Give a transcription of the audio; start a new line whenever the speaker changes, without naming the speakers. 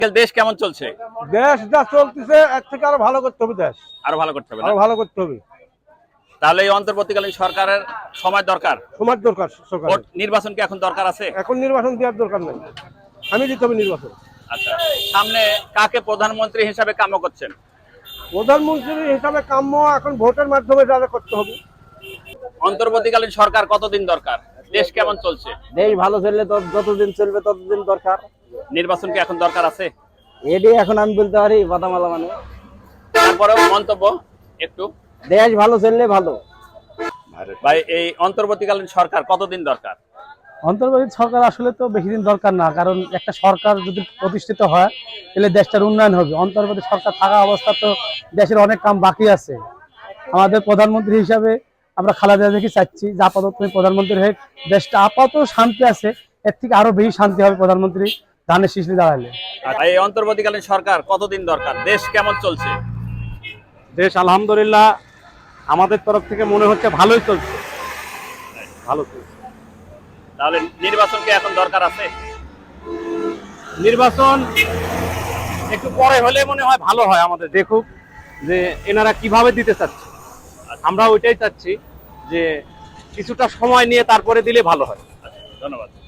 দেশ কেমন চলছে?
দেশ যা চলতেছে এর থেকে আরো ভালো করতে হবে। দেশ
আরো ভালো করতে হবে না?
আরো ভালো করতে হবে।
তাহলে এই অন্তর্বর্তীকালীন সরকারের সময় দরকার।
সময় দরকার সরকার।
ভোট নির্বাচন কি এখন দরকার আছে?
এখন নির্বাচন দেওয়ার দরকার নাই। আমি দিতে হবে নির্বাচন।
আচ্ছা, সামনে কাকে প্রধানমন্ত্রী হিসাবে কাম্য করছেন?
প্রধানমন্ত্রী হিসাবে কাম্য এখন ভোটের মাধ্যমে যা করতে হবে।
অন্তর্বর্তীকালীন সরকার কতদিন দরকার? দেশ কেমন চলছে?
দেশ ভালো চললে তো যতদিন চলবে ততদিন দরকার।
নির্বাচন কি এখন দরকার আছে?
এটি এখন আমি বলতে পারি বাদামালা মানে
তারপরেও মন্তব্য একটু।
দেশ ভালো চললে ভালো।
ভাই, এই অন্তর্বর্তীকালীন সরকার কতদিন দরকার?
অন্তর্বর্তী সরকার আসলে তো বেশি দিন দরকার না, কারণ একটা সরকার যদি প্রতিষ্ঠিত হয় তাহলে দেশটার উন্নয়ন হবে। অন্তর্বর্তী সরকার থাকা অবস্থা তো দেশের অনেক কাম বাকি আছে। আমাদের প্রধানমন্ত্রী হিসাবে আমরা খালেদা জিয়াকে চাচ্ছি যে আপাতত প্রধানমন্ত্রী হয়ে দেশটা আপাতত শান্তি আছে, এর থেকে আরো বেশি শান্তি হবে প্রধানমন্ত্রী ধানের শীষে দাঁড়ালে।
আর এই অন্তর্বর্তীকালীন সরকার কতদিন দরকার? দেশ কেমন চলছে?
দেশ আলহামদুলিল্লাহ আমাদের তরফ থেকে মনে হচ্ছে ভালোই চলছে। ভালো চলছে।
তাহলে নির্বাচন কি এখন দরকার আছে?
নির্বাচন একটু পরে হলে মনে হয় ভালো হয়। আমাদের দেখুক যে এনারা কিভাবে দিতে চাচ্ছে। আমরা ওইটাই চাচ্ছি যে কিছুটা সময় নিয়ে তারপরে দিলে ভালো হয়।
ধন্যবাদ।